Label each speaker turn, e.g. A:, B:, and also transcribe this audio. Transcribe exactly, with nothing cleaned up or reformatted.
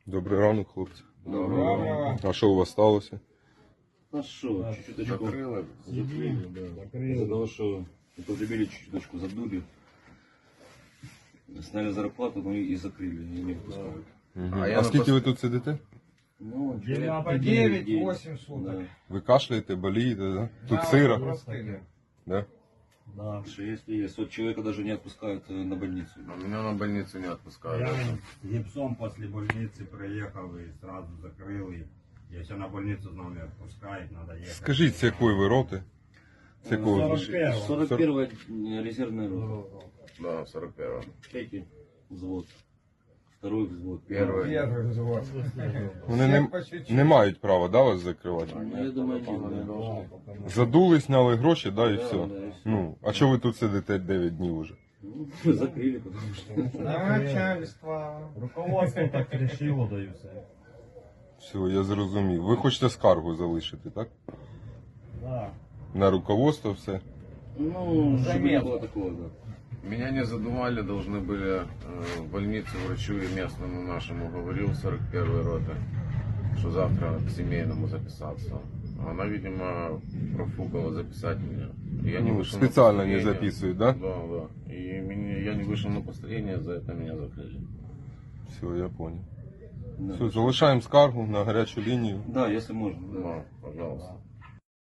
A: Добрий ранок, хлопці.
B: Доброго.
A: А що у вас сталося?
B: А что, чуть-чуточку
C: Закрыли.
B: закрыли, да. Из-за того, что употребили чуть-чуточку, задули. Сняли зарплату, ну и закрыли, и не выпускают.
A: Угу.
C: А
A: А,
C: я
A: скільки
C: на
A: ви тут сидите?
B: Ну,
D: девять-восемь суток.
B: Да.
A: Ви кашляєте, болієте, да? Тут
D: Да,
A: сиро,
D: простыли.
A: да?
B: Да, что если есть. Вот человека даже не отпускают э, на больницу.
C: А меня на больницу не отпускают.
E: Я гипсом после больницы проехал и сразу закрыл. И если на больницу нам не отпускает, надо ехать.
A: Скажіть, з якої ви роти? З якого?
E: сорок первого.
B: сорок первая резервная рота.
C: Да, сорок первого.
B: Третий взвод. Второй взвод.
C: Первый.
D: Первый взвод.
A: Вони
D: Всех
A: не,
D: по чуть-чуть.
A: не мають права, да, вас закривати?
B: Ну, я думаю, нет, да.
A: Задули, сняли гроші, да, і
B: Да,
A: все.
B: да, і все.
A: Ну, а чого ви тут сидите дев'ять днів уже?
B: Ну, закрыли, потому что...
D: Начальство.
E: Руководство так решило, да и все.
A: Все, я зрозумів. Ви хочете скаргу залишити, так?
E: Да.
A: На руководство все.
B: Ну, чтобы не
D: Заметно.
B: было такого, да.
C: Меня не задували, должны были э, в больницу врачу и местному нашему говорил сорок первой роты, что завтра к семейному записаться. Она, видимо, профукала записать меня. И я не
A: Ну,
C: вышел на
A: специально не
C: построение.
A: записывают, да?
C: Да, да. И меня, я не вышел на построение, за это меня закрыли.
A: Все, я понял.
B: Да.
A: Все, залишаємо скаргу на гарячу лінію.
B: Да, если можно.
C: Да, пожалуйста.